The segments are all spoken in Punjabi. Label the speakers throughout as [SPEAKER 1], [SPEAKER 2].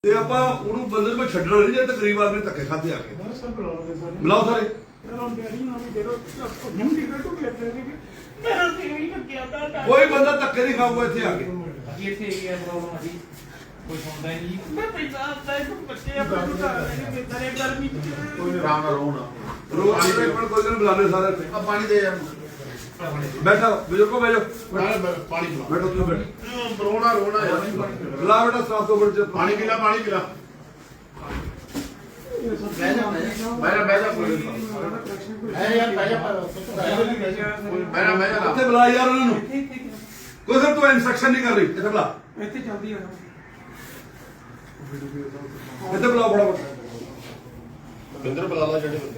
[SPEAKER 1] ਤੇ ਆਪਾਂ ਉਹਨੂੰ ਬੰਦੇ ਨੂੰ ਛੱਡਣਾ ਨਹੀਂ ਜੇ ਤਕਰੀਬ ਆਦਮੀ ਧੱਕੇ ਖਾਦੇ ਆ ਕੇ ਬੁਲਾਓ ਸਾਰੇ ਕੋਈ ਬੰਦਾ ਧੱਕੇ ਨਹੀਂ ਖਾਊਗਾ ਇੱਥੇ ਆ ਕੇ
[SPEAKER 2] ਕੋਈ ਸੁਣਦਾ ਹੀ ਨਹੀਂ।
[SPEAKER 3] ਮੈਂ ਪੰਜਾਬ ਦਾ ਇੱਕ ਬੱਚੇ ਆਪਣੇ ਘਰ ਦੇ ਮੇਰੇ ਗਰਮੀ
[SPEAKER 4] ਕੋਈ ਆਰਾਮ ਨਾਲ ਰੋਣਾ
[SPEAKER 1] ਰੋਜ਼ ਕੋਈ ਦਿਨ ਬੁਲਾਣੇ ਸਾਰੇ
[SPEAKER 4] ਆ ਪਾਣੀ ਦੇ ਯਾਰ
[SPEAKER 1] ਬੈਠਾ ਬਜ਼ੁਰਗੋ ਬੈਠੋ
[SPEAKER 4] ਪਾਣੀ ਪਿਲਾ
[SPEAKER 1] ਬੈਠੋ ਤੁਸੀਂ ਬੈਠੋ
[SPEAKER 4] ਰੋਣਾ ਰੋਣਾ ਯਾਰ
[SPEAKER 1] ਬੁਲਾ ਬੇਟਾ ਸਾਫ ਤੋਂ ਬੜ
[SPEAKER 4] ਪਾਣੀ ਪਿਲਾ ਬਹਿ ਜਾ ਬਹਿ ਜਾ ਬਹਿ ਜਾ ਯਾਰ ਬਹਿ ਜਾ
[SPEAKER 1] ਇੱਥੇ ਬੁਲਾ ਯਾਰ ਉਹਨਾਂ ਨੂੰ ਕੋਈ ਸਰ ਤੂੰ ਇਨਸਟਰਕਸ਼ਨ ਨਹੀਂ ਕਰ ਰਹੀ ਇੱਥੇ ਬੁਲਾ
[SPEAKER 3] ਇੱਥੇ ਚੱਲਦੀ ਆ
[SPEAKER 1] ਇੱਥੇ ਬੁਲਾਓ ਫਟਾਫਟ
[SPEAKER 4] ਬਿੰਦਰ ਬੁਲਾ ਲਾ ਜਿਹੜੇ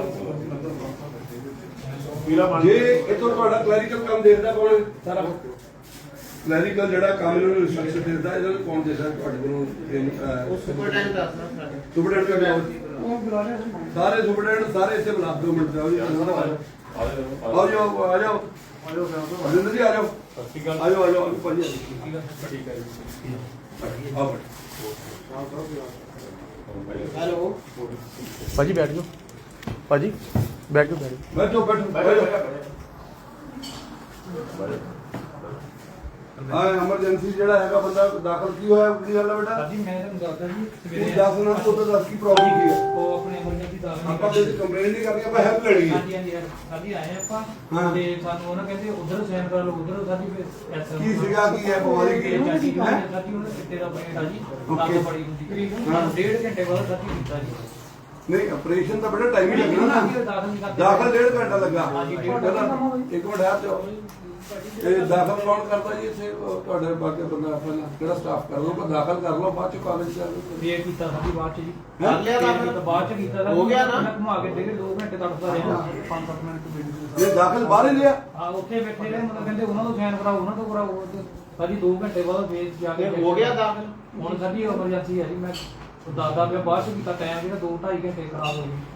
[SPEAKER 1] ਜੇ ਇਥੋਂ ਤੁਹਾਡਾ ਕਲੈਰੀਕਲ ਕੰਮ ਦੇਖਦਾ ਕੌਣ ਸਾਰਾ ਕਲੈਰੀਕਲ ਜਿਹੜਾ ਕੰਮ ਇਹਨਾਂ ਨੂੰ ਇਨਸਟਰਕਸ਼ਨ ਦਿੰਦਾ ਇਹਨਾਂ ਨੂੰ ਕੌਣ ਦੇਦਾ ਤੁਹਾਡੇ ਕੋਲੋਂ
[SPEAKER 4] ਸੁਪਰਡੈਂਟ ਦੱਸਣਾ
[SPEAKER 1] ਸੁਪਰਡੈਂਟ ਦਾ
[SPEAKER 3] ਉਹ ਬੁਲਾ ਰਿਹਾ
[SPEAKER 1] ਸਾਰੇ ਸੁਪਰਡੈਂਟ ਸਾਰੇ ਇੱਥੇ ਬੁਲਾ 2 ਮਿੰਟ ਜਾਓ ਜੀ ਆਓ ਜਾਓ ਆ ਜਾਓ ਜਿੰਦਰ ਜੀ ਆ ਜਾਓ ਆ ਜਾਓ ਆ ਜਾਓ ਭਾਜੀ ਠੀਕ ਹੈ ਆਓ
[SPEAKER 4] ਹੈਲੋ
[SPEAKER 5] ਭਾਜੀ ਬੈਠ ਜਾਓ ਭਾਜੀ ਬੈਠ ਜਾਓ
[SPEAKER 1] ਬੈਠੋ ਬੈਠੋ ਆ ਐਮਰਜੈਂਸੀ ਜਿਹੜਾ ਹੈਗਾ ਬੰਦਾ ਦਾਖਲ ਕੀ ਹੋਇਆ ਕੀ ਗੱਲ ਹੈ ਬੇਟਾ
[SPEAKER 2] ਜੀ ਮੈਂ ਤੁਹਾਨੂੰ ਦੱਸਦਾ ਜੀ
[SPEAKER 1] ਤੂੰ
[SPEAKER 2] ਸਵੇਰੇ
[SPEAKER 1] ਦੱਸ ਨਾ ਤੂੰ ਤਾਂ ਦੱਸ ਕੀ ਪ੍ਰੋਬਲਮ ਕੀ ਹੈ
[SPEAKER 2] ਉਹ ਆਪਣੇ ਐਮਰਜੈਂਸੀ ਦਾਖਲ
[SPEAKER 1] ਆਪਾਂ ਤੇ ਕੰਪਲੇਂਟ ਨਹੀਂ ਕਰਨੀ ਆਪਾਂ ਹੈਲਪ ਲੈਣੀ ਹੈ
[SPEAKER 2] ਹਾਂਜੀ ਹਾਂਜੀ ਸਾਡੀ ਆਏ ਆਪਾਂ
[SPEAKER 1] ਹਾਂ।
[SPEAKER 2] ਤੇ ਸਾਨੂੰ ਉਹਨਾਂ ਕਹਿੰਦੇ ਉਧਰ ਸਾਈਨ ਕਰ ਲਓ ਉਧਰ ਸਾਡੀ ਫਿਰ
[SPEAKER 1] ਕੀ ਸੀਗਾ ਕੀ ਹੈ ਬਿਮਾਰੀ ਕੀ ਹੈ
[SPEAKER 2] ਸਾਡੀ ਉਹਨੇ ਚਿੱਟੇ ਦਾ ਪੇਟ ਆ ਜੀ
[SPEAKER 1] Okay.
[SPEAKER 2] ਲੱਤ ਬੜੀ ਹੁੰਦੀ
[SPEAKER 1] ਹਾਂ।
[SPEAKER 2] 1.5 ਘੰਟੇ ਬਾਅਦ ਸਾਡੀ ਕੀਤਾ ਜੀ
[SPEAKER 1] ਨਹੀਂ ਆਪਰੇਸ਼ਨ ਤਾਂ ਬੜਾ ਟਾਈਮ ਹੀ ਲੱਗਣਾ ਨਾ
[SPEAKER 2] ਦਾਖਲ ਨਹੀਂ ਕਰਦੇ
[SPEAKER 1] ਦਾਖਲ 1.5 ਘੰਟਾ ਲੱਗਾ
[SPEAKER 2] ਹਾਂਜੀ, 1.5
[SPEAKER 1] ਪਹਿਲਾਂ ਇੱਕ ਮਿੰਟ ਆ ਜਾਓ ਇਹ ਦਾਖਲ ਕੌਣ ਕਰਦਾ ਜੀ ਇੱਥੇ ਤੁਹਾਡੇ ਬਾਕੀ ਬੰਦਾ ਪਹਿਲਾਂ ਕਿਹੜਾ ਸਟਾਫ ਕਰ ਲਓ ਦਾਖਲ ਕਰ ਲਓ ਬਾਅਦ ਚ ਕਾਲਜ ਚ
[SPEAKER 2] ਵੇਟ ਕੀਤਾ ਸਾਡੀ ਬਾਅਦ ਚ ਜੀ
[SPEAKER 4] ਕਰ ਲਿਆ ਦਾਖਲ?
[SPEAKER 2] ਤਾਂ ਬਾਅਦ ਚ ਕੀਤਾ
[SPEAKER 4] ਹੋ ਗਿਆ ਨਾ?
[SPEAKER 2] ਘੁਮਾ ਕੇ ਦੇ 2 ਘੰਟੇ ਤੜਫਦਾ ਰਿਹਾ 5-7 ਮਿੰਟ
[SPEAKER 1] ਇਹ ਦਾਖਲ ਬਾਹਰ ਹੀ ਲਿਆ
[SPEAKER 2] ਆ ਉੱਥੇ ਬੈਠੇ ਰਹੇ ਮਤਲਬ ਕਹਿੰਦੇ ਉਹਨਾਂ ਤੋਂ ਸਾਈਨ ਕਰਾਓ ਉਹਨਾਂ ਤੋਂ ਕਰਾਓ ਸਾਡੀ 2 ਘੰਟੇ ਬਾਅਦ ਫੇਰ ਜਾ ਕੇ
[SPEAKER 4] ਹੋ ਗਿਆ ਦਾਖਲ?
[SPEAKER 2] ਹੁਣ ਸਾਡੀ ਐਮਰਜੈਂਸੀ ਹੈ ਜੀ ਮੈਂ ਦਾਦਾ ਪਿਆ ਬਾਅਦ ਚ ਕੀਤਾ ਟਾਈਮ ਜਿਹੜਾ 2-2.5 ਘੰਟੇ ਖਰਾਬ ਹੋ ਗਏ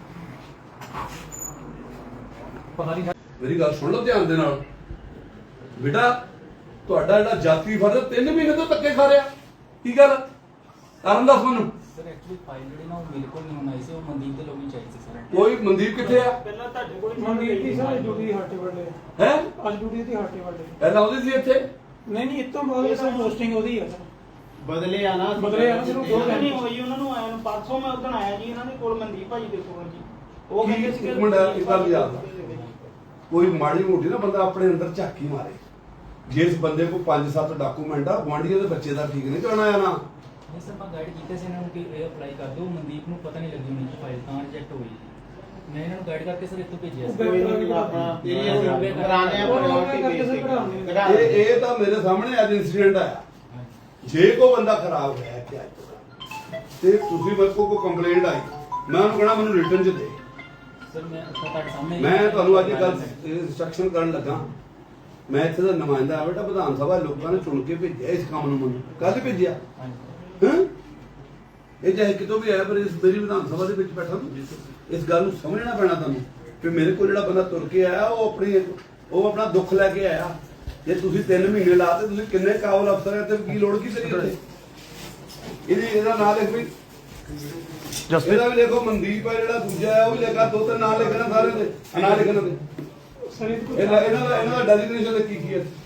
[SPEAKER 2] ਪਤਾ ਨਹੀਂ
[SPEAKER 1] ਮੇਰੀ ਗੱਲ ਸੁਣ ਲਓ ਧਿਆਨ ਦੇ ਨਾਲ ਬੇਟਾ ਤੁਹਾਡਾ ਜਿਹੜਾ ਜਾਤੀ ਫਰਜ਼ 3 ਮਹੀਨੇ ਤੋਂ ਧੱਕੇ ਖਾ ਰਿਹਾ ਕੀ ਗੱਲ ਕਾਰਨ ਦੱਸ ਮੈਨੂੰ
[SPEAKER 6] ਸਰ ਐਕਚੁਅਲੀ ਫਾਈਲ ਜਿਹੜੀ ਨਾ ਉਹ ਮੇਰੇ ਕੋਲ ਨਹੀਂ ਹੋਣੀ ਸੀ ਉਹ ਮਨਦੀਪ ਦੇ ਲੋਕੀ ਚਾਹੀਦੀ ਸੀ ਸਰ
[SPEAKER 1] ਕੋਈ ਮਨਦੀਪ ਕਿੱਥੇ ਆ
[SPEAKER 3] ਪਹਿਲਾਂ ਤੁਹਾਡੇ ਕੋਲ ਮੰਗੀ ਸੀ ਸਾਰੇ ਡਿਊਟੀ ਹਾਟੇ ਵੱਡੇ
[SPEAKER 1] ਹੈ
[SPEAKER 3] ਅੱਜ ਡਿਊਟੀ ਦੀ ਹਾਟੇ ਵੱਡੇ
[SPEAKER 1] ਪਹਿਲਾਂ ਆਉਂਦੀ ਸੀ ਇੱਥੇ
[SPEAKER 3] ਨਹੀਂ ਨਹੀਂ ਇਤੋਂ ਬਾਅਦ ਸਰ ਪੋਸਟਿੰਗ ਉਹਦੀ ਆ ਸਰ
[SPEAKER 4] ਬਦਲੇ ਆ ਨਾ
[SPEAKER 3] ਬਦਲੇ ਆ ਨਾ ਸਿਰਫ 2
[SPEAKER 7] ਨਹੀਂ
[SPEAKER 3] ਘੰਟੇ
[SPEAKER 7] ਹੋਈ ਉਹਨਾਂ ਨੂੰ ਆਇਆ ਨੂੰ ਪਰਸੋਂ ਮੈਂ ਉਦੋਂ ਆਇਆ ਜੀ ਇਹਨਾਂ ਦੇ ਕੋਲ ਮਨਦੀਪ ਭਾਜੀ ਦੇ ਕੋਲ ਜੀ ਉਹ
[SPEAKER 1] ਕੀ
[SPEAKER 7] ਕਹਿੰਦੇ ਸੀ
[SPEAKER 1] ਇੱਕ ਮਿੰਟ ਇੱਕ ਗੱਲ ਯਾਦ ਆ। ਕੋਈ ਮਾੜੀ ਮੋਟੀ ਨਾ ਬੰਦਾ ਆਪਣੇ ਅੰਦਰ ਝਾਕੀ ਮਾਰੇ ਜਿਸ ਬੰਦੇ ਕੋਲ 5-7 ਡਾਕੂਮੈਂਟ ਆ ਗੁਆਂਢੀਆਂ ਦੇ ਬੱਚੇ ਦਾ ਠੀਕ ਨਹੀਂ ਕਰਨਾ ਆ ਨਾ
[SPEAKER 6] ਨਹੀਂ ਸਰ ਮੈਂ ਗਾਈਡ ਕੀਤੇ ਸੀ ਇਹਨਾਂ ਨੂੰ ਕਿ ਇਹ ਅਪਲਾਈ ਕਰ ਦਿਓ ਮਨਦੀਪ ਨੂੰ ਪਤਾ ਨਹੀਂ ਲੱਗੀ ਹੋਣੀ ਕਿ ਫਾਈਲ ਤਾਂ ਰਿਜੈਕਟ ਹੋਈ ਮੈਂ ਇਹਨਾਂ ਨੂੰ ਗਾਈਡ ਕਰਕੇ ਸਰ ਇੱਥੋਂ ਭੇਜਿਆ ਸੀ
[SPEAKER 4] ਕੋਈ ਨਹੀਂ ਆਪਣਾ ਇਹ ਕਰਾਣੇ ਆ priority
[SPEAKER 1] ਇਹ ਤਾਂ ਮੇਰੇ ਸਾਹਮਣੇ ਅੱਜ ਇਨਸੀਡੈਂਟ ਆਇਆ ਜੇ ਕੋਈ ਬੰਦਾ ਖਰਾਬ ਹੋਇਆ ਕਿ ਤੇ ਤੁਸੀਂ ਮੇਰੇ ਕੋਲ ਕੋਈ ਕੰਪਲੇਂਟ ਆਈ ਮੈਂ ਉਹਨੂੰ ਕਹਣਾ ਮੈਨੂੰ ਰਿਟਰਨ ਚ ਦੇ
[SPEAKER 6] ਸਰ ਮੈਂ ਤੁਹਾਡੇ ਸਾਹਮਣੇ
[SPEAKER 1] ਮੈਂ ਤੁਹਾਨੂੰ ਅੱਜ ਗੱਲ ਇਨਸਟਰਕਸ਼ਨ ਕਰਨ ਲੱਗਾ ਮੈਂ ਇੱਥੇ ਦਾ ਨੁਮਾਇੰਦਾ ਆ ਬੇਟਾ ਵਿਧਾਨ ਸਭਾ ਲੋਕਾਂ ਨੇ ਚੁਣ ਕੇ ਭੇਜਿਆ ਇਸ ਕੰਮ ਨੂੰ ਮੈਨੂੰ ਕੱਲ ਭੇਜਿਆ
[SPEAKER 6] ਹਾਂਜੀ
[SPEAKER 1] ਹਾਂ ਇਹ ਚਾਹੇ ਕਿਤੋਂ ਵੀ ਆਇਆ ਪਰ ਇਸ ਮੇਰੀ ਵਿਧਾਨ ਸਭਾ ਦੇ ਵਿੱਚ ਬੈਠਾ ਇਸ ਗੱਲ ਨੂੰ ਸਮਝਣਾ ਪੈਣਾ ਤੁਹਾਨੂੰ ਕਿ ਮੇਰੇ ਕੋਲ ਜਿਹੜਾ ਬੰਦਾ ਤੁਰ ਕੇ ਆਇਆ ਉਹ ਆਪਣਾ ਦੁੱਖ ਲੈ ਕੇ ਆਇਆ ਜੇ ਤੁਸੀਂ 3 ਮਹੀਨੇ ਲਾਤੇ ਤੁਸੀਂ ਕਿੰਨੇ ਕਾਬਲ ਅਫਸਰ ਹੈ ਤੇ ਕੀ ਲੋੜ ਕੀ ਕਰੀ ਉੱਥੇ ਇਹਦਾ ਨਾਂ ਲਿਖ ਵੀ ਇਹਦਾ ਵੀ ਦੇਖੋ ਮਨਦੀਪ ਹੈ ਜਿਹੜਾ ਦੂਜਾ ਹੈ ਉਹ ਵੀ ਲਿਖਾ 2-3 ਨਾਂ ਲਿਖਣਾ ਸਾਰੇ ਦੇ ਨਾਂ ਲਿਖਣਾ ਦੇ
[SPEAKER 3] ਸਰ ਇਹ
[SPEAKER 1] ਇਹਨਾਂ ਦਾ ਡੈਜ਼ਿਗਨੇਸ਼ਨ ਕੀ ਹੈ